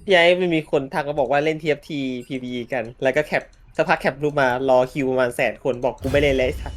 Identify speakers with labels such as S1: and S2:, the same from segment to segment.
S1: พี่ไอ้ไม่มีคนทักมาบอกว่าเล่น TFT PVE กันแล้วก็แคปสักพักแคปรูปมารอคิวประมาณ100,000 คนบอกกูไม่เล่นเลยสัก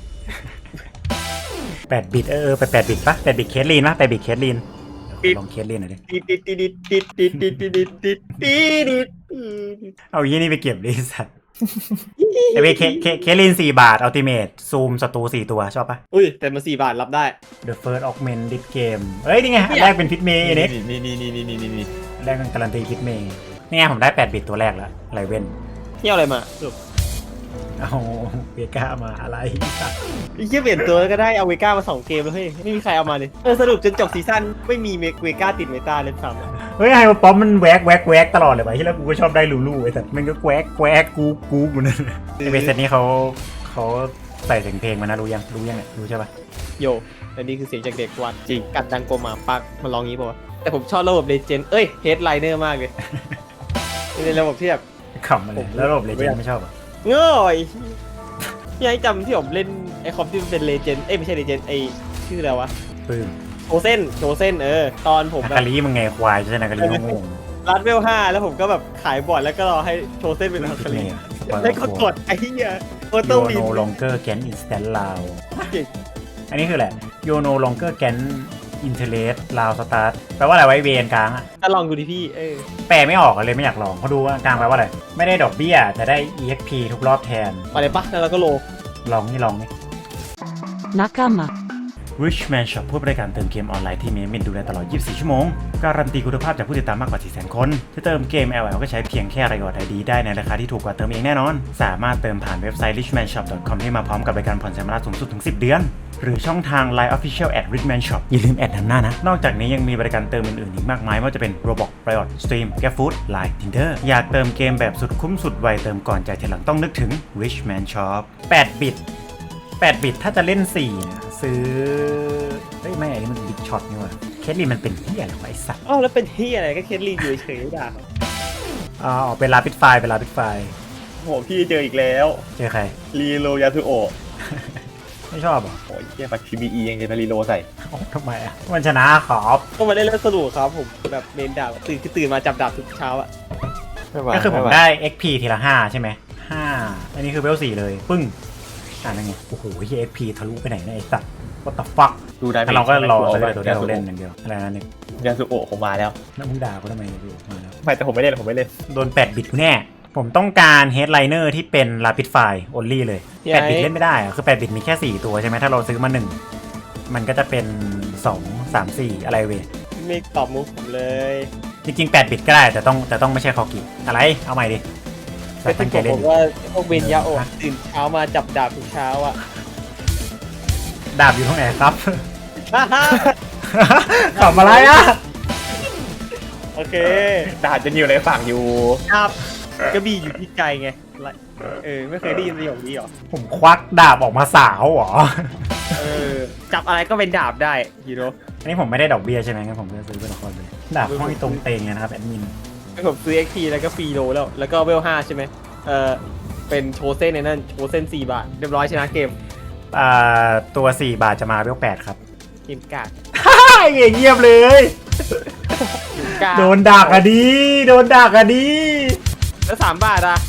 S2: 8 บิตไป8 บิตปะ8 บิตเคสลีนปะ8 บิตเคสลีนลองเคสลีนหน่อยดิ
S1: ติดติดติดติดติดติดติดติดติดติด
S2: เอายี่นี่ไปเก็บดิสัตว์ไอเวเคสลีน4 บาทอัลติเมทซูมศัตรู4 ตัวชอบปะ
S1: อุ้ยแต่มัน4 บาทรับได้
S2: The First Augment this game เอ้ยนี่ไงอันแรกเป็นพิทเมย์นี่
S3: นี่
S2: แรกเป็นการันตีพิทเมย์นี่ไงผมได้8 บิตตัวแรกแล้วไรเว้น
S1: เที่ยวอะไรมาสรุป
S2: เอาเวก้ามาอะไรสัตว์
S1: ไอ้เหี้ยเปลี่ยนตัวก็ได้เอาเวก้ามา2 เกมแล้วเฮ้ยไม่มีใครเอามาเลยสรุปจนจบซีซั่นไม่มีเวก้าติดเมตาเลยซ้ำ
S2: เฮ้ยไฮป๊อปมันแวกตลอดเลยว่ะที่แล้วกูก็ชอบได้ลูไอ้สัตว์มันก็แวกกูเหมือนกันไอเวสเซตนี้เขาใส่เสียงเพลงมานะรู้ยังเนี่ยรู้ใช่ปะ
S1: โยอันนี้คือเสียงจากเด็กวัดจริงกัดดังโกมาปักมันร้องงี้ป่าวะแต่ผมชอบระบบเลเจนด์เฮดไลเนอร์มากเลยเป็นระบบที่แบบ
S2: ขำมาเลยแล้วระบบเลเจนด์ไม่ชอบอ่ะ
S1: ง่อยพี่ไอ้จำที่ผมเล่นไอคอมที่มันเป็นเลเจนด์ไม่ใช่เลเจนด์ไอชื่ออะไรวะ
S2: ปื้ม
S1: โชเซนตอนผมแบ
S2: นา
S1: บ
S2: คาลีมึงไงควายใช่ไหมนาคาลีงง
S1: รัดเวล5แล้วผมก็แบบขายบอร์ดแล้วก็รอให้โชเซนเป็นฮัคคารีแล้วก็กดไอ้เหี้ยโอโต้
S2: โย
S1: วิ
S2: โน
S1: น
S2: ลองเกอร์แกนอินสแตนลาว
S1: เก่ง
S2: อันนี้คืออะไรโยโนลองเกอร์แกนอินเทเลสลาวสตาร์ทแปลว่าอะไรไว้เวนกลางอะ
S1: ก็ลองดูดิพี่
S2: แปลไม่ออกเลยไม่อยากลองเขาดูว่ากลางแปลว่าอะไรไม่ได้ดอกเบี้ยแต่ได้ EXP ทุกรอบแทน
S1: อะไรปะแล้วเราก็โล
S2: ลองนี่
S4: Nakama
S2: Richman Shop ผู้บริการเติมเกมออนไลน์ที่มีเมนดูแลตลอด 24 ชั่วโมง การันตีคุณภาพจากผู้ติดตามมากกว่า 400,000 คนจะเติมเกม LL ก็ใช้เพียงแค่รายอด ID ได้ในราคาที่ถูกกว่าเติมเองแน่นอน สามารถเติมผ่านเว็บไซต์ richmanshop.com ที่มาพร้อมกับบริการผ่อนชำระสูงสุดถึง 10 เดือน หรือช่องทาง Line Official @richman shop อย่าลืมแอดนำหน้านะ นอกจากนี้ยังมีบริการเติมอื่นๆอีกมากมายไม่ว่าจะเป็น Roblox Riot Stream GrabFood Line Tinder อยากเติมเกมแบบสุดคุ้มสุดไวเติมก่อนจ่ายทีหลังต้องนึกถึง Richman Shop 8 บิตถ้าจะเล่น4เนี่ยซื้อเฮ้ยไม่อันนี้มันบิ๊กช็อตนี่หว่าเคสลีมันเป็นที่อะไรวะไอ้สัตว์
S1: อ้าวแล้วเป็นที่อะไรก็เคสลีอยู่เฉยๆด่า
S2: อ๋อเป็นลาปิดไฟล์
S1: โหพี่เจออีกแล้ว
S2: เจอใคร
S1: รีโลยาตุโอ
S2: ไม่ชอบเหรอ
S3: โอ้ยเฮียปัด PBE ยังจะมารีโลใส่
S2: โอ้ทำไมอ่ะมันชนะขอบ
S1: ก็มาได้เล่นสนุกครับผมแบบเมนดาบตื่นมาจับดาบทุกเช้าอะ
S2: ก็คือผมได้ XP ทีละ5ใช่ไหม5อันนี้คือเวล4เลยปึ้งนั่นไงโอ้โหเฮีย XP ทะลุไปไหนเนี่ยไอ้สัตว์ what the fuck
S3: ดูได้
S2: แต่เราก็รอสักตัวเดียวเล่นอย่างเดียวอะไรนั่นเอง
S3: ยาสุโอะผมมาแล้ว
S2: แล้วมึงด่ากูทำไมอยู่มาแล้ว
S3: ไม่แต่ผมไม่เล่น
S2: โดน8 บิตกูแน่ ผมต้องการ Headliner ที่เป็น Rapid Fire Only เลย8 บิตเล่นไม่ได้อะคือ8 บิตมีแค่4ตัวใช่ไหมถ้าเราซื้อมา1มันก็จะเป็น2 3 4อะไรเว้ย
S1: ไม่ตอบมุกผมเลย
S2: จริงๆ8 บิตก็ได้แต่ต้องไม่ใช่คอกิอะไรเอาใหม่ดิ
S1: แต่
S2: ตั้
S1: ที่
S2: งใจ
S1: ผม
S2: เล่
S1: บ
S2: น
S1: อกว่าพวกเวนยาโอะตื่นเช้ามาจับดาบทุกเช้าอะ
S2: ดาบอยู่ตรงไหนครับ ขำอะไรอ่ะ
S1: โอเค
S3: ดาบจะอยู่ในฝั่งอยู่
S1: ครับกระบี่อยู่ที่ไกลไงไม่เคยได้ยินประโยคนี้หรอ
S2: ผมควักดาบออกมาสาวเหรอ
S1: จับอะไรก็เป็นดาบได้ยูโร
S2: อันนี้ผมไม่ได้ดอกเบี้ยใช่ไหมงั้นผมก็ซื้อเป็นละครเลยดาบห้อยตรงเตงเลยนะครับแอดมิน
S1: ผมซื้อ XP แล้วก็ฟรีโลแล้วก็เวล5ใช่ไหมเป็นโชเซนในนั่นโชเซน4 บาทเรียบร้อยชนะเกม
S2: ตัว4 บาทจะมาเวล8ครับ
S1: เกมกาก
S2: เงียบเลย โดนดักอะดี
S1: แล้ว3 บาทอะ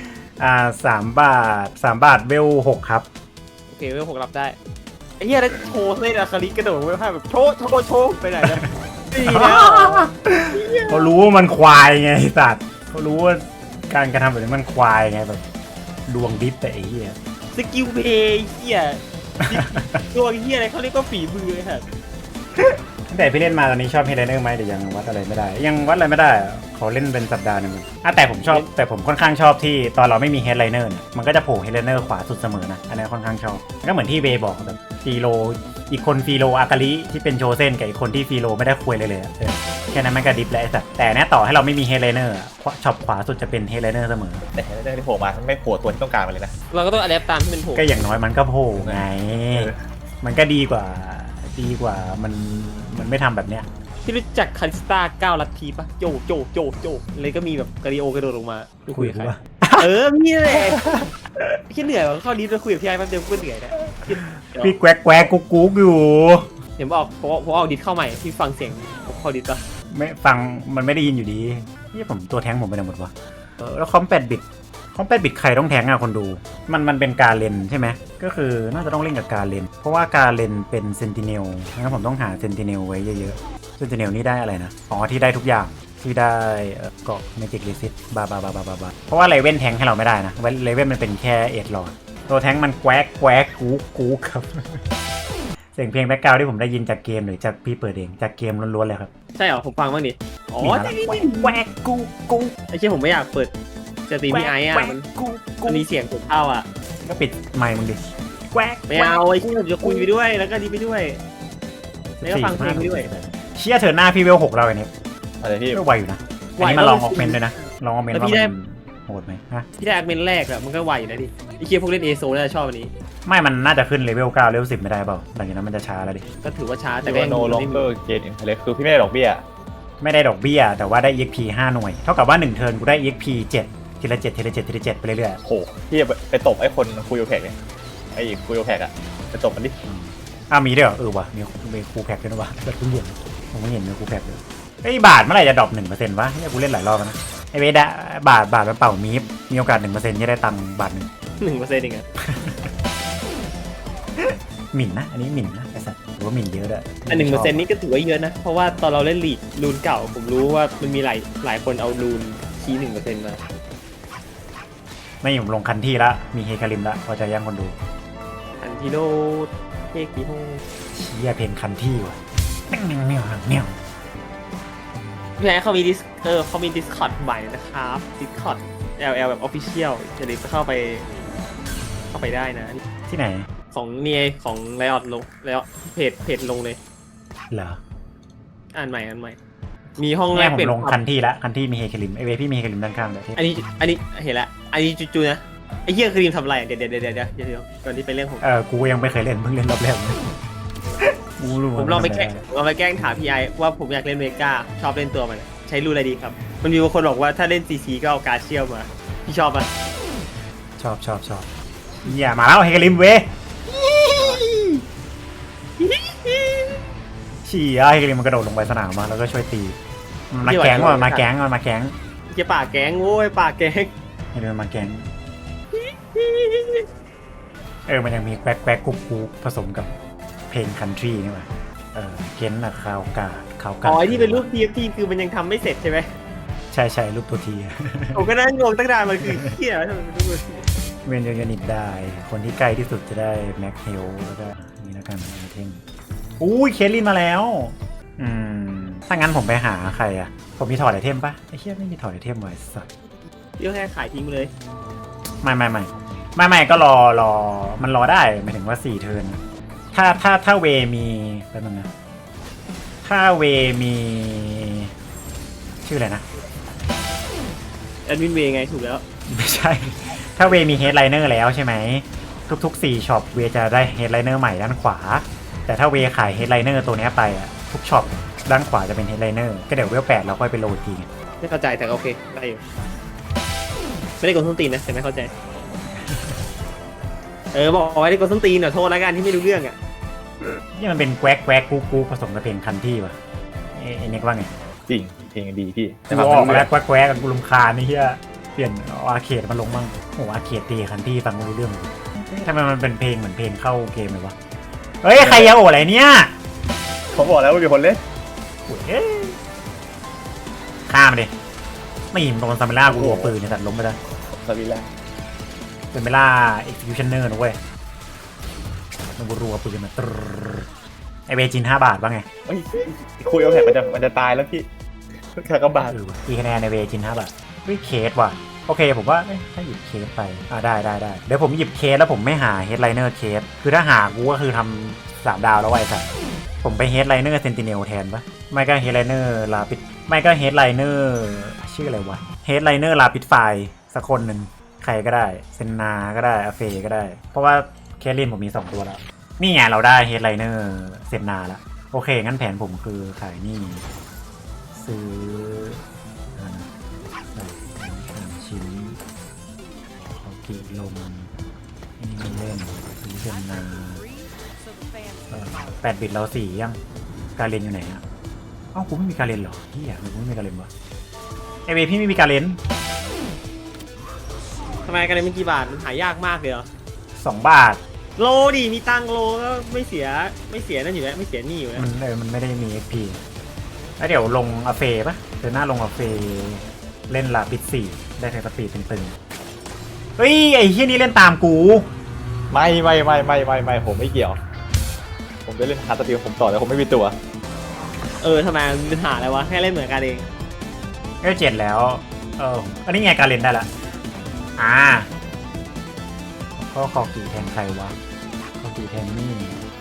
S2: 3 บาทเวล6ครับ
S1: โอเคเวล6รับได้ไอ้เหี้ยแล้วโชเซนอะคาริกระโดดเวล5แบบโชว์ไปไหนนะดีแล้ว
S2: เขารู้ว่ามันควายไงไอ้สัตว์เขารู้ว่าการกระทำแบบนี้มันควายไงแบบดวงดิฟแต่ไอ้เหี้ย
S1: สกิลเพย์เหี้ยตัวเหี้ยอะไรเขาเรียกว่าฝีมือครับ
S2: ตั้งแต่พี่เล่นมาตอนนี้ชอบเฮดไลเนอร์ไหมแต่ยังวัดอะไรไม่ได้ยังวัดอะไรไม่ได้อะเขาเล่นเป็นสัปดาห์หนึงแต่ผมค่อนข้างชอบที่ตอนเราไม่มีเฮดไลเนอร์เนี่ยมันก็จะโผล่เฮดไลเนอร์ขวาสุดเสมอนะอันนี้ค่อนข้างชอบก็เหมือนที่เบย์บอกแบบฟีโลอีกคนฟีโลอากาลิที่เป็นโชเซนกับอีกคนที่ฟีโลไม่ได้คุยเลยอะแค่นั้นมันก็ดิฟแล้วไอ้สัตว์แต่เนี้ยต่อให้เราไม่มีเฮดไลเนอร์ช็อปขวาสุดจะเป็นเฮดไลเนอร์เสมอ
S3: แต่เรื่องที่โผล่มาไม่โผล่ตัวที่ต้องการมาเลยนะ
S1: เราก็ต้องอัดแอปตามที่เป็นถูก
S2: ก็อย่างน้อยมันก็โผล่ไง มันก็ดีกว่ามันไม่ทำแบบเนี้ย
S1: ที่รู้จักคาริสตา9 ลัทธิปะโจเลยก็มีแบบกาลิโอกระโดดลงมาคุยกับใครพี่แหละพี่เหนื่อยว่ะเข้าดิสไปคุยกับพี่ไอ้แป๊บเดียวก็เหนื่อยแล้ว
S2: พี่แกวกกุ๊กอยู่
S1: เดี๋ยวผมออกดิสเข้าใหม่ที่ฟังเสียงเข้าดิสปะ
S2: ไม่ฟังมันไม่ได้ยินอยู่ดีนี่ผมตัวแท้งผมไปไหนหมดวะแล้วคอม8 บิตใครต้องแท้งอะคนดูมันเป็นการเลนใช่ไหมก็คือน่าจะต้องเล่นกับการเลนเพราะว่าการเลนเป็นเซนติเนลงั้นผมต้องหาเซนติเนลไว้เยอะๆเซนติเนลนี่ได้อะไรนะอ๋อที่ได้ทุกอย่างที่ได้เกาะเมจิกรีซิตบาเพราะว่าเลเว่นแทงให้เราไม่ได้นะเลเว่นมันเป็นแค่เอ็ดหลอดตัวแทงมันแควกกูครับ เสียงเพลงแบ็คกราวด์ที่ผมได้ยินจากเกมหรือจากพี่เปิดเองจากเกมล้วนๆเลยครับ
S1: ใช่เหรอผมฟังบ้างดิอ๋อ
S2: นี่แควกกู
S1: ไอ้เชี่ยผมไม่อยากเปิดสตรีมพี่ไอ้อะมันมีเสียงผมเข้าอ่ะ
S2: ก็ปิดไมค์มึงดิแควก
S1: ไม่เอาไอ้เชี่ยผมจะคุยไปด้วยแล้วก็ดีไปด้วยแล้วก็ฟังเพลงไปด้วย
S2: เชี่ยเธอหน้าพี่เวล6เราไอ้นี่
S3: อะไรพี่
S2: ก็ไวอยู่นะอันนี้มาลองออกเมนด้วยนะลองออกเมนว่ามันโหดไหมฮะ
S1: พี่ได้อักเมนแรกอะมันก็ไหวอยู่นะดิไอ้เชี่ยพวกเล่นเอโซน่าจะชอบอันนี้
S2: ไม่มันน่าจะขึ้นเลเวล9เลเวล10ไม่ได้เปล่าหลังจากนั้นมันจะช้าแล้วดิ
S1: ก็ถือว่าช้าแต่
S3: แต่
S1: ก็
S3: ว่า
S1: ยัง
S3: โนลองเกอร์เกนอินเทเลคือพี่ไม่ได้ดอกเบี้ย
S2: ไม่ได้ดอกเบี้ยแต่ว่าได้ EXP 5 หน่วยเท่ากับว่า1เทิร์นกูได้ EXP 7ทีละ7ไปเรื่อย
S3: โหพี่ไปตบไอ้คนคุยโอแพกเนี่ยไอ้คุยโอแพกอะไปตบมันดิ
S2: ๆมีด้วยเหรอว่ะมีคูแพ็กด้วยนะวะแบบเพิ่งเห็นผมไม่เห็นมีคูแพ็กเลยไอ้บาทเมื่อไหร่จะดรอป 1% วะเนี่ยกูเล่นหลายรอบแล้วนะไอ้เวดะบาทมันเป่ามีโอกาส 1%จะได้ตังค์บาทหนึ่ง
S1: 1%เองอะ
S2: หมิ่นนะอันนี้หมิ่นนะไอ้สัตว์หรือว่าหมิ่นเยอะด้วย
S1: อัน1%นี่ก็ถือว่าเยอะนะเพราะว่าตอนเราเล่นลีดรูนเก่าผมรู้ว่ามันมีหลายคนเอารูนชี้ 1% มา
S2: ไม่ผมลงคันที่ละมีเฮคาริมละพอใจยังคนดู
S1: อันทิโดเทกิโฮ
S2: เชียเพนคันที่ว่ะแมว
S1: พี่ไอ้เขามีเขามีดิสคอร์ดใหม่นะครับดิสคอร์ด LL แบบ Official จะได้เข้าไปได้นะ
S2: ที่ไหน
S1: ของเนี่ยของไลออดลงแล้วเพจลงเลย
S2: เหรอ
S1: อ่านใหม่มีห้องแร
S2: แม่
S1: ก
S2: ผม
S1: เป็น
S2: ลงคันที่ละคันที่มีเฮคาริมไอเวพี่มีเฮคาริมด้านข้างแบบที่
S1: อันนี้เห็นละอันนี้จูๆนะไอ้เหี้ยคือทีมทำอะไรเดี๋ยวก่อนที่ไปเรื่องผม
S2: กูยังไม่เคยเล่นเพิ่งเล่นรอบแรกกูรู้
S1: ผมลองไปแกล้งถามพี่ไอว่าผมอยากเล่นเมกาชอบเล่นตัวมันใช้รูอะไรดีครับมันมีบางคนบอกว่าถ้าเล่นซีก็เอาการเชี่ยวมาพี่ชอบปะ
S2: ชอบอย่ามาแล้วเฮคาริมเวเชี่ยเฮคาริมมันกระโดดลงไปสนามมาแล้วก็ช่วยตีมาแก๊งมาแก๊ง
S1: เกี่ยป่าแก๊งโว้ยป่าแก๊ง
S2: ให้ดูมาแก๊งมันยังมีแควกกุ๊กผสมกับเพลงคันทรีนี่ว่ะเก้นอะคาวกา
S1: อ๋อที่เป็นรูป TFT คือมันยังทำไม่เสร็จใช่ไหม
S2: ใช่รูปตัวที
S1: ผมก็นั่งงงตั้งนานมันคือเหี้ยทำไมมันรูป
S2: เวนยูนิตได้คนที่ใกล้ที่สุดจะได้แม็กเฮลแล้วก็นี่แล้วกันไอเทมอุ้ยเคลลินมาแล้วถ้างั้นผมไปหาใครอะผมมีถอดไอเทมปะไอเชี่ยไม่มีถอดไอเทมไว้สัตว์
S1: เดี๋ยวแค่ขายทิ้งเลย
S2: ไม่ก็รอมันรอได้หมายถึงว่า4เทิร์นถ้าเวมีแป๊บนึงนะถ้าเวมีชื่ออะไรนะ
S1: แอดมินเวไงถูกแล้ว
S2: ไม่ใช่ถ้าเวมีเฮดไลเนอร์แล้วใช่ไหมทุก4ช็อปเวจะได้เฮดไลเนอร์ใหม่ด้านขวาแต่ถ้าเวขายเฮดไลเนอร์ตัวนี้ไปอะทุกช็อปด้านขวาจะเป็นเฮดไลเนอร์ก็เดี๋ยวเวล8เราค่อยไปโหลดทีไง
S1: ไม่เข้าใจแต่โอเคได้อยู่ไม่ได้กดส้นตีนนะแต่ไม่เข้าใจบอกไว้ได้กดส้นตีนหน่อยโทษแล้วกันที่ไม่รู้เรื่องอ่ะ
S2: นี่มันเป็นแควกกูผสมกับเพลงคันที่ว่ะเอ็นเน็กว่าไง
S3: จริงเพลงดีพี่
S2: กูออกมาแล้วแควกกันกูรำคาญนี่เฮียเปลี่ยนอาร์เคดมาลงบ้างโอ้อาร์เคดตีคันที่ฟังไม่รู้เรื่องทำไมมันเป็นเพลงเหมือนเพลงเข้าเกมเลยวะเฮ้ยใครยาโออะไรเนี่ย
S3: ผมบอกแล้วว่ามีคนเล่น
S2: ฆ่ามันดิไม่หิมโดนซาเมล่ากูหัวปืนเนี่ยตัดล้มไปแล้ว
S3: สวิลล่า
S2: เป็นเวลา executioner นะเว้ยมันรัวปืนมาตรไอเวจิน5 บาทว่าไง
S3: เฮ้ยคุยโอแพกมันจะตายแล้วพี่แค่ก็บาด
S2: กี่คะแนนในเวจิน5 บาทเฮ้ยเคสว่ะโอเคผมว่าถ้าหยิบเคสไปได้เดี๋ยวผมหยิบเคสแล้วผมไม่หา headliner เคสคือถ้าหากูก็คือทำ3 ดาวแล้วไอ้สัสผมไป headliner sentinel แทนปะไม่ก็ headliner ลาปิดไม่ก็ headliner ชื่ออะไรวะ headliner ลาปิดไฟสักคนหนึ่งใครก็ได้เซนนาก็ได้อาเฟก็ได้เพราะว่าเคสลินผมมี2 ตัวแล้วนี่ไงเราได้ headliner เซนนาแล้วโอเคงั้นแผนผมคือขายนี่ซื้อชิ้นเขากีลมนี่ไม่เล่นซื้อเซนนา8 บิตเรา4ยังการเรียนอยู่ไหนอ่ะกูไม่มีการเรียนหรอที่อยากกูไม่มีการเรียนวะเวพี่ไม่มีการเล่น
S1: ทำไมกันเลยมันกี่บาทมันหายากมากเลยเหรอ
S2: 2 บาท
S1: โลดิมีตังค์โลก็ไม่เสียนั่นอยู่แล้วไม่เสียหนี่อยู่แล้ว
S2: มันไม่ได้มี XP แล้วเดี๋ยวลงอาเฟปะเดี๋ยวหน้าลงอาเฟเล่นลาปิด4ได้ไทสปีดตึงๆเฮ้ยไอ้เฮียนี่เล่นตามกู
S3: ไม่ผมไม่เกี่ยว ผมจะเล่นฮาร์ดสตีลผมต่อแต่ผมไม่มีตัว
S1: ทำไมมันเป็นปัญหาอะไรวะแค่เล่นเหมือนกันเอง
S2: ก็7แล้วอันนี้ไงการเล่นได้ละก็คอกี่แทนใครวะคอกี่แทนนี่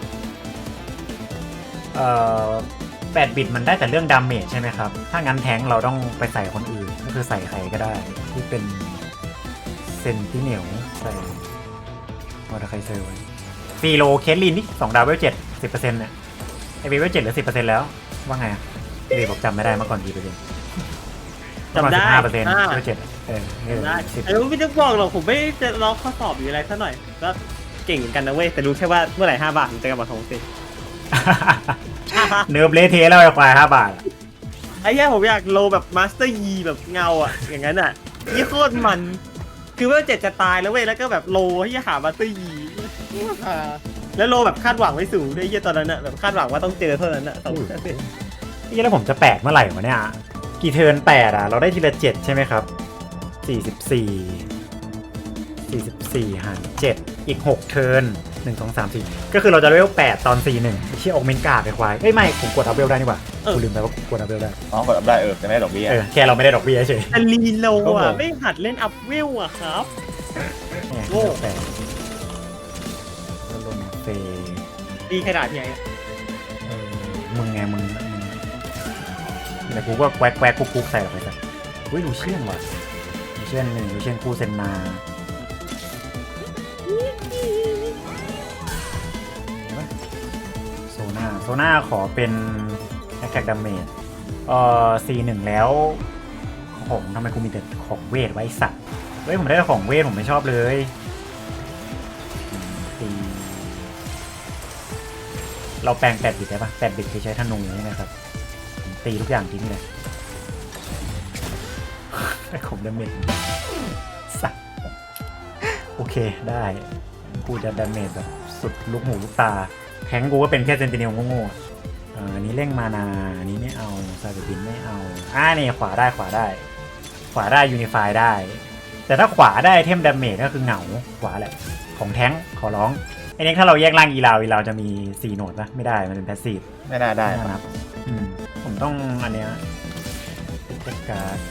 S2: 8 บิตมันได้แต่เรื่องดาเมจใช่ไหมครับถ้างั้นแทงเราต้องไปใส่คนอื่นก็คือใส่ใครก็ได้ที่เป็นเซนติเนลใส่วอเตอร์ไคเซอร์ไว้ฟีโลเคสลินนี่2 ดาวเวล7 10%เนี่ยไอเวล7เหลือ 10% แล้วว่าไงพี่บอกจำไม่ได้เมื่อก่อนกี่เปอร์เซ็นต์
S1: จำได้
S2: 5%เวล7
S1: ได้ไม่ต้องบอกหรอกผมไม่จะลองข้อสอบอยู่อะไรซะหน่อยก็เก่งเหมือนกันนะเว้ยแต่รู้แค่ว่าเมื่อไหร่5 บาทถึงจะกลับมาทงสิ
S2: เนิร์ฟเละเทะแล้วไอ้ควาย5 บาท
S1: ไอ้แค่ผมอยากโลแบบมาสเตอร์ยีแบบเงาอ่ะอย่างนั้นอ่ะนี่โคตรมันคือว่า7จะตายแล้วเว้ยแล้วก็แบบโลที่หามาสเตอร์ยีแล้วโลแบบคาดหวังไว้สูงด้วยตอนนั้นอ่ะแบบคาดหวังว่าต้องเจอเท่านั้นอ่ะ
S2: นี่แล้วผมจะ8เมื่อไหร่วะเนี่ยกี่เทิร์น8เราได้ทีละ7ใช่ไหมครับ44หาร7อีก6เทิร์น1 2 3 4ก็คือเราจะเลเวล8ตอน41เชี่ยออกเมนการ์ดไปควายไม่ผมกดอัพเวลได้นี่หว่ากูลืมไปว่ากดอัพเวลได้
S3: กดอัพได้จะไม่ได้ดอกเบี้ย
S2: แค่เราไม่ได้ดอกเบี้ยเฉย
S1: แต่ลีโลอ่ะไม่หัดเล่นอัพเวลอ่ะครับ
S2: โง่แต่ลงเฟ
S1: ดีขนาดไหน
S2: มึงไงมึงแต่กูก็แควกคุกใส่ลงไปกันอุ้ยลูเชียนว่ะลูเชียน1ลูเชียนคู่เซนนาโซน่าขอเป็นแอคแท็กดาเมจC1 แล้วของทำไมกูมีแต่ของเวทไว้สัตว์เฮ้ยผมได้ของเวทผมไม่ชอบเลยเราแปลง8 บิตได้ปะ8 บิตคือใช้ธนูใช่ไหมครับตีทุกอย่างทิ้งเลยได้ของดาเมจสัตว์โอเคได้กูจะดาเมจแบบสุดลูกหูลูกตาแทงกูก็เป็นแค่เซนติเนลโง่ๆอันนี้เร่งมานาอันนี้ไม่เอาซาเบบินไม่เอานี่ขวาได้ยูนิฟายได้ แต่ถ้าขวาได้เทมดาเมจก็คือเหงาขวาแหละของแทงขอร้องไอ้นี่ถ้าเราแยกล่างอีลาวจะมี4โหนดปะไม่ได้มันเป็นแพสซีฟ
S3: ไม่น่าได้
S2: ครับผมต้องอันเนี้ยเทคการ์ด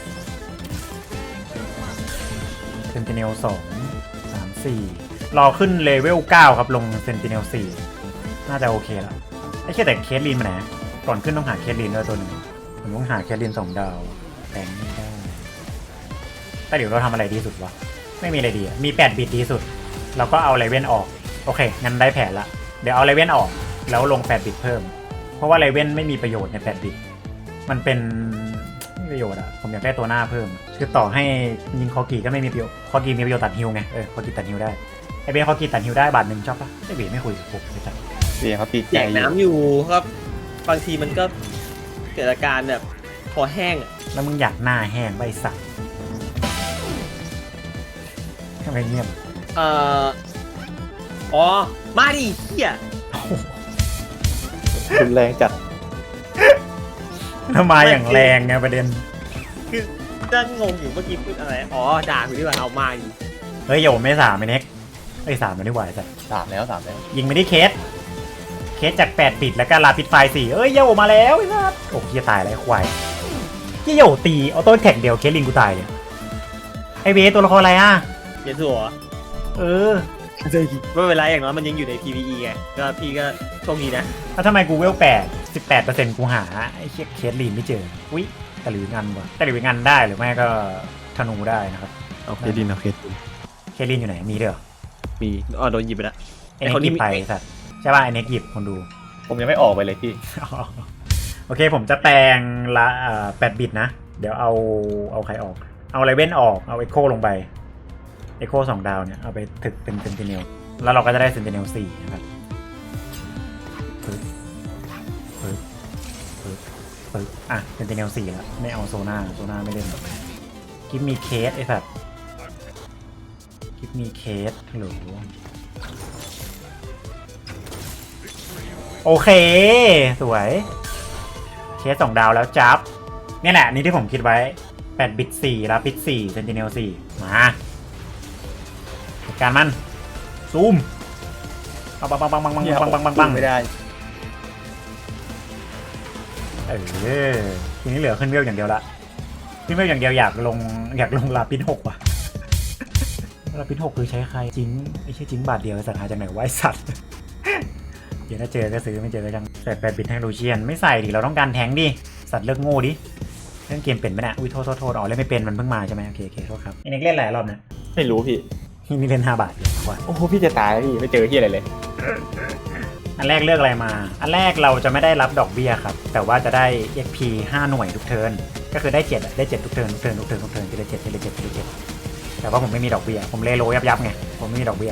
S2: เซนติเนล2 3 4รอขึ้นเลเวล9ครับลงเซนติเนล4น่าจะโอเคแล้วไอ้แค่แต่เคสลินมาไหนก่อนขึ้นต้องหาเคสลินด้วยตัวหนึ่งผมต้องหาเคสลิน2 ดาวแต่งไม่ได้แต่เดี๋ยวเราทำอะไรดีสุดวะไม่มีอะไรดีมี8 บิตดีสุดเราก็เอาไลเว่นออกโอเคงั้นได้แผนละเดี๋ยวเอาไลเว่นออกแล้วลง8 บิตเพิ่มเพราะว่าไลเว่นไม่มีประโยชน์ใน8 บิตมันเป็นไม่ประโยชน์ผมอยากได้ตัวหน้าเพิ่มคือต่อให้ยิงคอกีก็ไม่มีประโยชน์คอกีมีประโยชน์ตัดฮิวไงคอกีตัดฮิวได้ไอเบนคอกีตัดฮิวได้บาทหนึ่งชอบปะไอเบนไม่คุยกับผมเลยจ้ะ
S3: เบียเขาตีใจ
S1: แจกน้ำอยู่ครับบางทีมันก็เกิดอาการแบบคอแห้ง
S2: แล้วมึงอยากหน้าแห้งใบสักทำไมเงียบ
S1: มาดิเฮีย
S3: รุนแรงจัด
S2: ทำไมอย่างแรงไงประเด็น
S1: คือจะงงอยู่เมื่อกี้พูดอะไรด่าคุณดีกว่าเอามาอยู่
S2: เฮ้ยโยมไม่3ไอ้เน็ก3มันไม่ไหวจ้ะ
S3: 3แล้ว
S2: ยิงไม่ได้เคสจาก8 บิตแล้วก็ลาปิดไฟ4โยมาแล้วไอ้สัสโอ้ยตายแล้วควายโยตีเอาต้นแท็กเดียวเคสลิงกูตายเลยไอเวตัวละครอะไร
S1: เยสัวไม่เป็นไรอย่างน้อยมันยังอยู่ใน PVE ไงก็พี่ก็โชคดีนะ
S2: แล้วทำไมกูเวล18% กูหาไอ้เคสลินไม่เจออุ๊ยตะหลิวงันวะตะหลิวงันได้หรือไม่ก็ธนูได้นะครับ
S3: เอาเคสลิน
S2: อยู่ไหนมีเด้อ
S1: มีโดนหยิบไปแล้ว
S2: ไอ้เน็กหยิบไปสัตว์ใช่ป่ะไอ้เน็กหยิบคนดู
S3: ผมยังไม่ออกไปเลยพี่
S2: โอเคผมจะแปลงละ8 บิตนะเดี๋ยวเอาใครออกเอาไลเว่นออกเอาเอ็กโคลงไปเอ็กโค2 ดาวเนี่ยเอาไปถึกเป็นเซนติเนลแล้วเราก็จะได้เซนติเนล4นะครับเซนติเนล4แล้วไม่เอาโซน่าไม่เล่นกิฟมีเคสไอ้สัตว์กิฟมีเคสหรือโอเคสวยเคส2 ดาวแล้วจับเนี่ยแหละนี่ที่ผมคิดไว้8 บิต 4แล้วบิต 4 Sentinel 4มาจัดการมันซูมบัง
S3: ไม่ได้
S2: ทีนี้เหลือขึ้นเวลอย่างเดียวละขึ้นเวลอย่างเดียวอยากลงลาปิน6ว่ะลาปิน6คือใช้ใครจิงไม่ใช่จิงบาทเดียวสัตว์หาจากไหนไว้สัตว์เดี๋ยวถ้าเจอก็ซื้อไม่เจอก็จังใส่8 บิตให้ลูเชียนไม่ใส่ดิเราต้องการแทงดิสัตว์เลิกโง่ดิเล่นเกมเป็นไหมเนี่ยอุ้ยโทษอ๋อเล่นไม่เป็นมันเพิ่งมาใช่ไหมโอเคโทษครับนี่เล่นหลายรอบนะ
S3: ไม่รู้พี่
S2: นี่เล่น5 บาทเดียวว่ะ
S3: โอ้โหพี่จะตายแล้วพี่ไม่เจอที่อะไรเลย
S2: อันแรกเลือกอะไรมาอันแรกเราจะไม่ได้รับดอกเบี้ยครับแต่ว่าจะได้ XP 5 หน่วยทุกเทิร์นก็คือได้7ได้7ทุกเทิร์นทีละ7แต่ว่าผมไม่มีดอกเบี้ยผมเลโลยับไงผมไม่มีดอกเบี้ย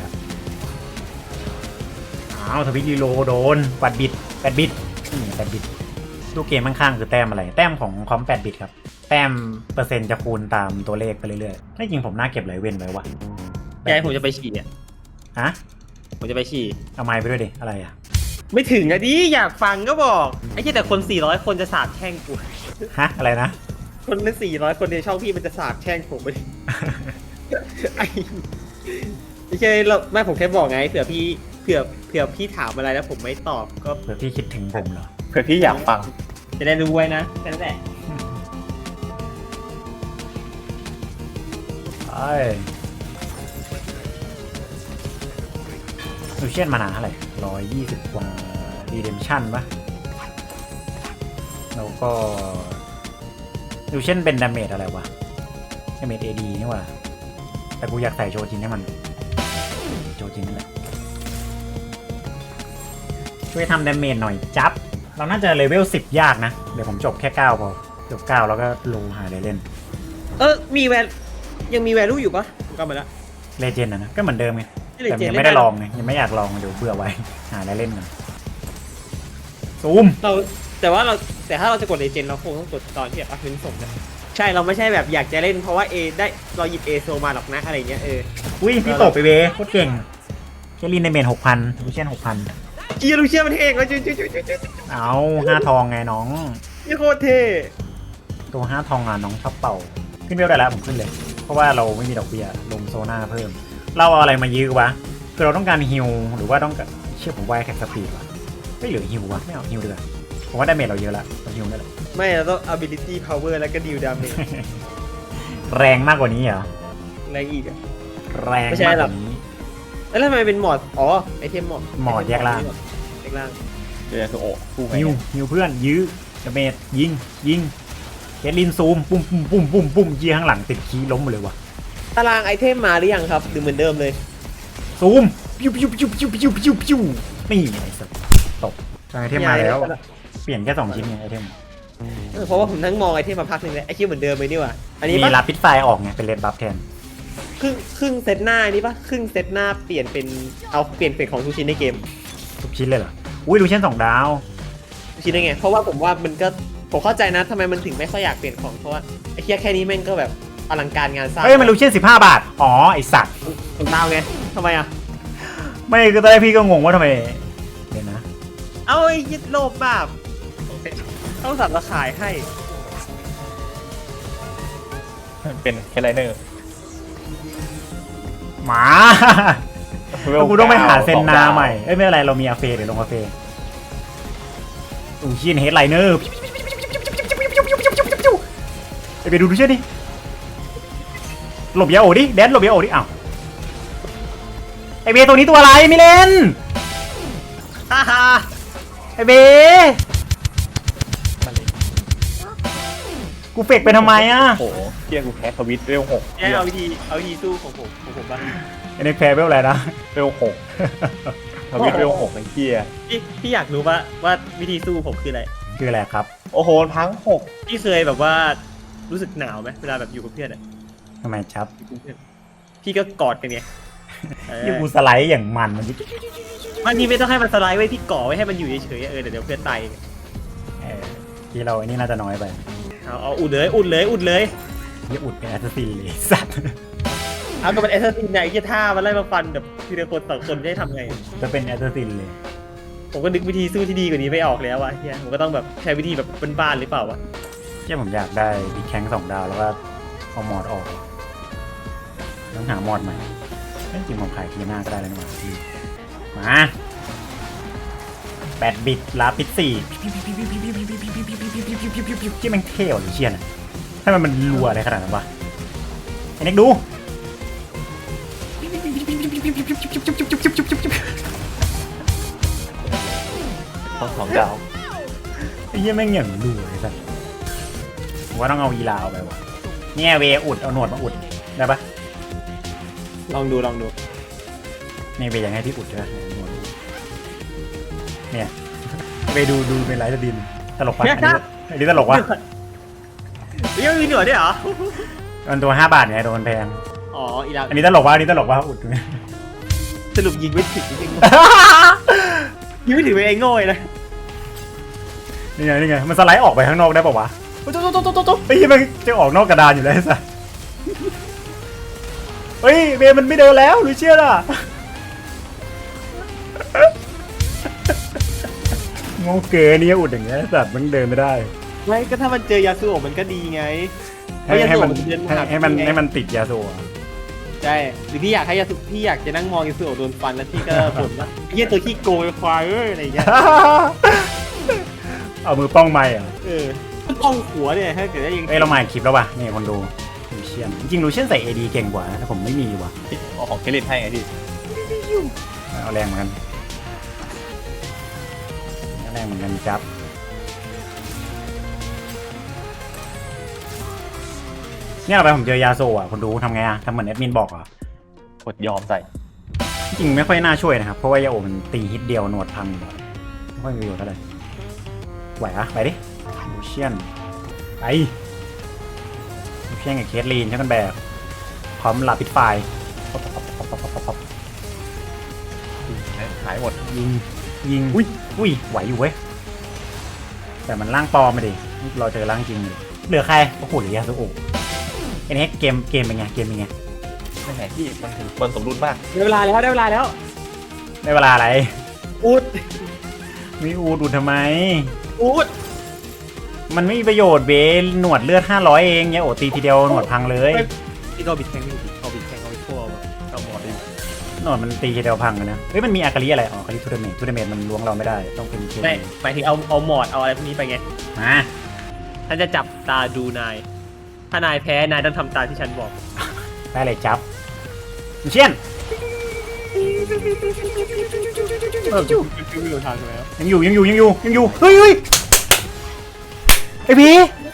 S2: อ้าวทวิตรีโลโดน8 บิต8 บิต8 บิตตู้เกมข้างๆคือแต้มอะไรแต้มของคอม8 บิตครับแต้มเปอร์เซ็นต์จะคูณตามตัวเลขไปเรื่อยๆจริงผมน่าเก็บไหลเว้นไว้วะ
S1: ยายผมจะไปฉี่อ่ะ
S2: ฮะ
S1: ผมจะไปฉี่
S2: เอาไม้ไปด้วยดิอะไรอ่ะ
S1: ไม่ถึงอะดิอยากฟังก็บอกไอ้แค่แต่คน400 คนจะสาบแช่งกู
S2: ฮะอะไรนะ
S1: คนเป็น400 คนในช่องพี่มันจะสาบแช่งผมไป ไอ้ไม่ใช่เราไม่ผมแค่บอกไงเผื่อพี่ถามอะไรแล้วผมไม่ตอบก็
S2: เผื่อพี่คิดถึงผมเหรอ
S3: เพื่อพี่อยากฟัง
S1: จะได้รู้ไว้นะแค่นั้นแหละ
S2: ลูเชียนมานาเท่าไหร่120 กว่ารีเดมชั่นปะแล้วก็ลูเชียนเป็นดาเมจอะไรวะดาเมจ AD นี่ว่าแต่กูอยากใส่โจจินให้มันโจจินนั่นแหละช่วยทำดาเมจหน่อยจับเราน่าจะเลเวล10 ยากนะเดี๋ยวผมจบแค่9พอจบ9แล้วก็ลงหาอะไรเล่น
S1: มียังมีแวลูอยู่ปะผมกลับมาแล้ว
S2: เลเจนด์นะก็เหมือนเดิมไง
S1: Legend
S2: แต่ยังไม่ได้ลองไงยังไม่อยากลองเดี๋ยวเบื่อไว้หาอะไรเล่นกันซูม
S1: แต่ถ้าเราจะกดเลเจนเราคงต้องกดตอนที่แบบพื้นส่งนะใช่เราไม่ใช่แบบอยากจะเล่นเพราะว่าเราหยิบโซมาหรอกนะอะไรเงี้ย
S2: อุ้ยพี่ตกไปเวโคตรเก่งเคลินในเมน 6,000ลูเชียน 6,000
S1: เกียร์ลูเชียมันเท่งเลยจุ๊ด
S2: เอา5 ทองไงน้อง
S1: นี่โคตรเท่
S2: ตัว5 ทองอ่ะน้องชอบเป่าขึ้นเวลได้แล้วผมขึ้นเลยเพราะว่าเราไม่มีดอกเบี้ยลงโซน่าเพิ่มเราเอาอะไรมายื้อวะคือเราต้องการฮิลหรือว่าต้องการเชื่อผมว่าแค่สปีดวะไม่เหลือฮิลวะไม่เอาฮิลเดือผมว่าดาเมจเราเยอะละเราฮิลได้แหละ
S1: ไม่เราต้อง ability power แล้วก็ deal damage
S2: แรงมากกว่านี้เหรอ
S1: อะไรอีกอะ
S2: แรง
S1: ไม่ใช่
S2: มาก
S1: ห
S2: ก
S1: รอก
S2: ว่านี้
S1: แล้วทำไมเป็นหมอดไอเทมหมอด
S2: แยกล่าง
S1: แยกล่าง
S3: เจอคือโอ้สู้ไหม
S2: ฮิวเพื่อนยื้อดาเมจยิงเคทลินซูมปุ้มยีข้างหลังติดคีล้มหมดเลยวะ
S1: ตารางไอเทมมาหรือยังครับหรือเหมือนเดิมเลย
S2: ซูมปิ้วนี่ไอ้สัสตกไอเทมมาแล้วเปลี่ยนแค่2 ชิ้นไงไอเทม
S1: เพราะว่าผมนั่งมองไอเทมมาพักหนึ่งเลยไอคิวเหมือนเดิมเลยนี่หว่าอันนี้
S2: มี
S1: ปะ
S2: ลาปิดไฟออกไงเป็นเลดบัฟแทน
S1: ครึ่งเซตหน้านี่ปะครึ่งเซตหน้าเปลี่ยนเป็นของทุกชิ้นในเกม
S2: ทุกชิ้นเลยเหรออุ้ยลูเชียน2 ดาว
S1: ทุกชิ้นได้ไงเพราะว่าผมว่ามันก็ผมเข้าใจนะทำไมมันถึงไม่ค่อยอยากเปลี่ยนของเพราะว่าไอ้แค่นี้แม่งก็แบบอลังการงานสร้าง
S2: เฮ้ยมันลูเชียน15 บาทอ๋อไอสัตว์
S1: ผมดาวไงทำไมอ่ะ
S2: ไม่คือตอนแรกพี่ก็งงว่าทำไมเดี๋ยวนะ
S1: เอาไอ้ยึดโลภแบบต้องสับราขายให้
S3: เป็นแคไลเนอร์
S2: หมากูต้องไปหาเซนนาใหม่เอ้ยไม่เป็นไรเรามีอาเฟเดี๋ยวลงอาเฟลูเชียนเฮดไลเนอร์ไปดูลูเชียนดิหลบยาโอดิแดนหลบยาโอดิอ้าวไอเบตัวนี้ตัวอะไรไม่เล่น
S1: ฮ่าฮ่า
S2: ไอเบกูเฟกไปทำไมอ่ะ
S3: โอ้โหเกียร์กูแคสทวิตเวล6
S1: เอาวิธีสู้ของผมบ้าง
S2: ไอเน็กแพ้เวลอะไรนะ
S3: เวล6ทวิตเวล6ไอ้เกียร์
S1: พี่อยากรู้ว่าวิธีสู้ผมคืออะไร
S2: คืออะไรครับ
S3: โอ้โหทั้ง
S1: พี่เคยแบบว่ารู้สึกหนาวไหมเวลาแบบอยู่กับเพื่อนอะ
S2: ทำไมครับ
S1: พี่ก็กอดกันไง
S2: ที่กูสไลด์อย่างมันมัน
S1: บางทีไม่ต้องให้มันสไลด์ไว้พี่ก่อไว้ให้มันอยู่เฉยๆเดี๋ยวเพื่อนตาย
S2: ที่เราไอ้นี่น่าจะน้อยไป
S1: เอาอุดเลย
S2: อย่าอุดเป็นแอสซัสซินเลยสัตว์
S1: เอาก็เป็นแอสซัสซินไหนที่ท่ามันไล่มาฟันแบบทีละคนต่อคนจะให้ทำไง
S2: จะเป็นแอสซัสซินเลย
S1: ผมก็นึกวิธีสู้ที่ดีกว่านี้ไม่ออกแล้ววะเฮียผมก็ต้องแบบใช้วิธีแบบบ้านๆหรือเปล่าวะ
S2: แค่ผมอยากได้บิ๊กแข้ง2 ดาวแล้วก็เอามอดออกต้องหามอดใหม่จริงๆผมขายทีหน้าก็ได้แล้วนี่หว่าพี่มา8 บิตลาปิด4ที่แม่งเท่หรือเชียนอะให้มันรัวอะไรขนาดนั้นวะไอ้เน็กดู
S3: ต้อง2 ดาว
S2: ไอ้เหี้ยแม่งอย่างรัวเลยสัสผมว่าต้องเอาอีลาเอาไปวะเนี่ยเวอุดเอาหนวดมาอุดได้ปะ
S1: ลองดู
S2: เนี่ยเวยังให้พี่อุดด้วยหนวดอุดเนี่ยเวดูเป็นไลฟ์สตรีมตลกปะอันนี้ตลกวะ
S1: ยังมีหนวดด้วยเหรอ
S2: มันตัว5 บาทไงโดนแพง
S1: อ๋ออีลา
S2: อันนี้ตลกวะอันนี้ตลกวะอุด
S1: สรุปยิงไม่ถึงจริงๆยิงไม่ถึงไปเองโง่เลยนะ
S2: นี่ไงมันสไลด์ออกไปข้างนอกได้ปะวะโต๊ะไอ้ยี่มันจะออกนอกกระดานอยู่แล้วไอ้สัสเฮ้ยเวมันไม่เดินแล้วหรือเชื่อล่ะโง่เก๋นี่อุดอย่างเงี้ยสัตว์มันเดินไม่ได้
S1: ไม่ก็ถ้ามันเจอยาสูบมันก็ดีไงเพราะยา
S2: ให้
S1: สูบ
S2: มัน
S1: มันเดิน
S2: ให้มันติดยาโซ่
S1: ใช่หรือพี่อยากให้ยาสูบพี่อยากจะนั่งมองยาสูบโดนฟันแล้วพี่ก็บ่นว่าเฮียตัวขี้โกยควายอะไรอย่างเงี้ย
S2: เอามือป้องไม้อะ
S1: ป้องหัวเนี่ยถ้าเกิดได้ยิง
S2: เอ้ยเรามาอีกคลิปแล้วว่ะนี่คนดูลูเชียนจริงๆลูเชียนใส่ AD เก่งกว่านะแต่ผมไม่มีว่ะ
S3: เอาของเคลินให้ไงพี่
S2: เอาแรงเหมือนกันเอาแรงเหมือนกันครับเนี่ยเราไปผมเจอยาโซอ่ะคนดูทำไงอ่ะทำเหมือนแอดมินบอกอ่ะ
S3: กดยอมใส่
S2: จริงๆไม่ค่อยน่าช่วยนะครับเพราะว่ายาโอมันตีฮิตเดียวหนวดพังไม่ค่อยมีประโยชน์เท่าไหร่ไหวอะไปดิลูเชียนไปลูเชียนกับเคสลีนใช่กันแบบพร้อมลาปิดไฟ
S3: หายหมด
S2: ยิงอุ้ยไหวอยู่เว้ยแต่มันร่างปลอมมาดิเราเจอร่างจริงเลยเหลือใครโอ้โหเหลือยาสุโอะไอ้นี่เกมเป็นไง
S3: ไม่ไหนพี่มันถึงมันสมดุลมาก
S1: ได้เวลาแล้ว
S2: ได้เวลาอะไร
S1: อุด
S2: มีอูดทำไม
S1: อุด
S2: มันไม่มีประโยชน์เว้ยหนวดเลือด500เองเนี่ยโอตีทีเดียวหนวดพังเลย
S1: พี่ก็บิดแทงไม่บิดเขาบิดแทงเขาไปทั่วแบบเอาหมดเลย
S2: หนวดมันตีทีเดียวพังเลยนะเฮ้ยมันมีอากาลีอะไรอ๋ออากาลีทูเดเมทมันล้วงเราไม่ได้ต้องเป็นเค
S1: ไม่หมายถึงเอาหมอดเอาอะไรพวกนี้ไปไง
S2: มา
S1: ท่านจะจับตาดูนายถ้านายแพ้นายต้องทำตามที่ฉันบอก
S2: ได้เลยจับเชียน
S1: ไม่รู้ทางแล้ว
S2: ยังอยู่เฮ้ยไอพี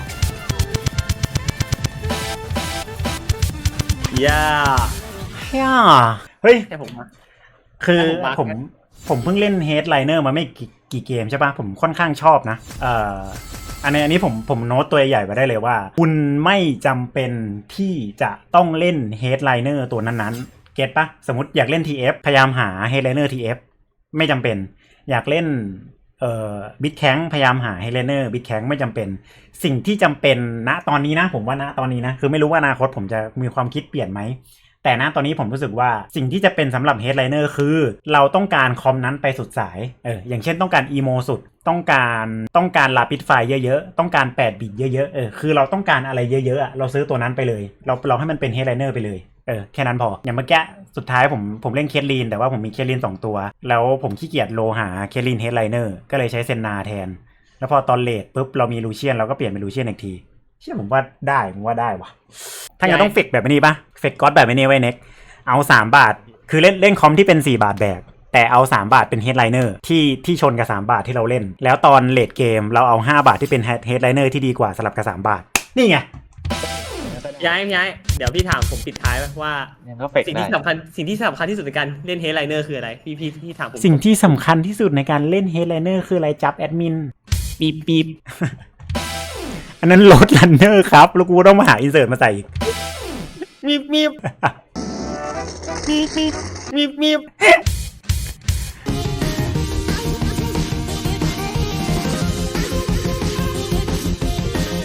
S1: ย่า
S2: เฮ้ย
S1: แค่ผมมา
S2: คือ
S1: ให้ผมมาร์ค
S2: ผมเพิ่งเล่น Headliner มาไม่กี่เกมใช่ปะผมค่อนข้างชอบนะอันนี้ผมโน้ตตัวใหญ่ไว้ได้เลยว่า คุณไม่จำเป็นที่จะต้องเล่น Headliner ตัวนั้นๆเก็ตปะสมมติอยากเล่น TF พยายามหา Headliner TF ไม่จำเป็นอยากเล่นบิทแข้งพยายามหา Headliner บิทแข้งไม่จำเป็นสิ่งที่จำเป็นณตอนนี้นะผมว่าณตอนนี้นะคือไม่รู้ว่าอนาคตผมจะมีความคิดเปลี่ยนไหมแต่ณตอนนี้ผมรู้สึกว่าสิ่งที่จะเป็นสำหรับ Headliner คือเราต้องการคอมนั้นไปสุดสายอย่างเช่นต้องการอีโมสุดต้องการลาปิดไฟเยอะๆต้องการ8บิตเยอะๆคือเราต้องการอะไรเยอะๆเราซื้อตัวนั้นไปเลยเราให้มันเป็น Headliner ไปเลยแค่นั้นพออย่างเมื่อกี้สุดท้ายผมเล่นเคทลีนแต่ว่าผมมีเคทลีน2ตัวแล้วผมขี้เกียจโลหาเคทลีน Headliner ก็เลยใช้เซนนาแทนแล้วพอตอนเลทปุ๊บเรามีลูเชียนเราก็เปลี่ยนเป็นลูเชียนอีกทีเชื่อผมว่าได้ว่ะถ้าอย่างต้องเฟกแบบนี้ปะเฟกก๊อตแบบนี้ไว้เน็กเอา3 บาทคือเล่นคอมที่เป็น4 บาทแบกแต่เอา3 บาทเป็น Headliner ที่ชนกับ3 บาทที่เราเล่นแล้วตอนเลทเกมเราเอา5 บาทที่เป็น Headliner ที่ดีกว่าสลับกับ3 บาทนี่ไง
S1: ย้ายเดี๋ยวพี่ถามผมปิดท้ายว่า
S3: ยังก็เฟก
S1: สิ่ง
S3: ได้
S1: ที่สำคัญที่สุดในการเล่นเฮดไลเนอร์คืออะไรพี่ถามผม
S2: สิ่งที่สำคัญที่สุดในการเล่น Headliner คืออะไรจับแอดมิน
S1: ปีบ
S2: อันนั้นโหลดรันเนอร์ครับแล้วกูต้องมาหาอินเสิร์ตมาใส่อีก
S1: มี